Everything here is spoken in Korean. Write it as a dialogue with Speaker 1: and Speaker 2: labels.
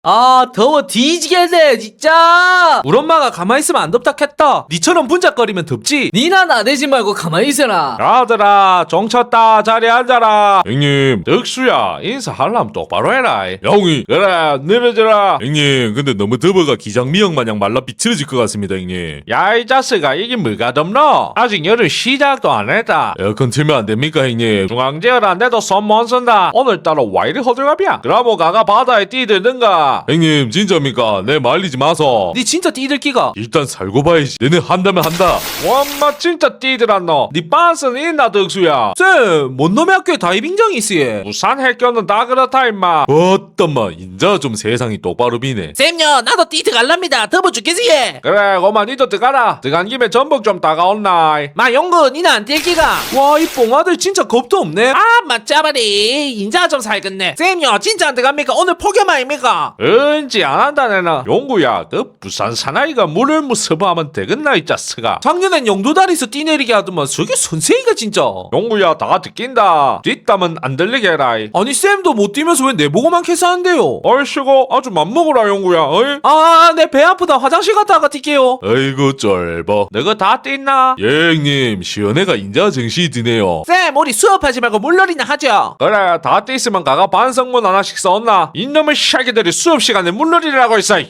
Speaker 1: 아 더워 뒤지겠네 진짜. 우리 엄마가 가만히 있으면 안 덥다 했다. 니처럼 분작거리면 덥지. 니나 나대지 말고 가만히 있어라.
Speaker 2: 아들아 종쳤다 자리에 앉아라. 형님 덕수야 인사하려면 똑바로 해라. 영희 그래 내려져라. 형님 근데 너무 더워가 기장미역 마냥 말라 비틀어질 것 같습니다 형님. 야 이 자식아 이게 뭐가 덥노? 아직 여름 시작도 안 했다. 에어컨 틀면 안 됩니까 형님? 중앙제어란데도 손 못 쓴다. 오늘따라 와 이리 호들갑이야. 그럼 가가 바다에 뛰들든가. 형님 진짜입니까? 내 말리지 마소.
Speaker 1: 니 진짜 뛰들기가.
Speaker 2: 일단 살고 봐야지. 내는 한다면 한다. 와마 진짜 뛰들었노. 니 빤스는 있나 덕수야?
Speaker 1: 쌤, 뭔 놈의 학교에 다이빙장이 있으예.
Speaker 2: 부산 해교는 다 그렇다 임마. 어떤마 인자 좀 세상이 똑바로 비네.
Speaker 1: 쌤요, 나도 뛰드 갈랍니다. 더워 죽겠지 예.
Speaker 2: 그래 고만 니도 들어가라. 들어간 김에 전복 좀 따가온나.
Speaker 1: 마 용구, 니는 안 뛸기가. 와, 이 뽕아들 진짜 겁도 없네. 아, 맞자바리. 인자 좀 살겠네. 쌤요, 진짜 안 들어갑니까? 오늘 폭염 아닙니까?
Speaker 2: 은지 안 한다 내나. 용구야 그 부산 사나이가 물을 무서워하면 되겠나 이 자스가.
Speaker 1: 작년엔 영도다리에서 뛰내리게 하더만 저게 선생이가 진짜.
Speaker 2: 용구야 다 듣긴다. 뒷담은 안 들리게 해라.
Speaker 1: 아니 쌤도 못 뛰면서 왜 내보고만 캐스하는데요?
Speaker 2: 얼씨고 아주 맘먹으라 용구야. 어이?
Speaker 1: 아, 내 배 아프다. 화장실 갔다가 뛸게요.
Speaker 2: 아이고 쫄보. 너가 다 뛴나? 예 형님 시연애가 인자 정신이 드네요.
Speaker 1: 쌤, 우리 수업하지 말고 물놀이나 하죠.
Speaker 2: 그래 다 뛰었으면 가가 반성문 하나씩 써온나. 이놈의 샤기들이 수업 시간에 물놀이를 하고 있어.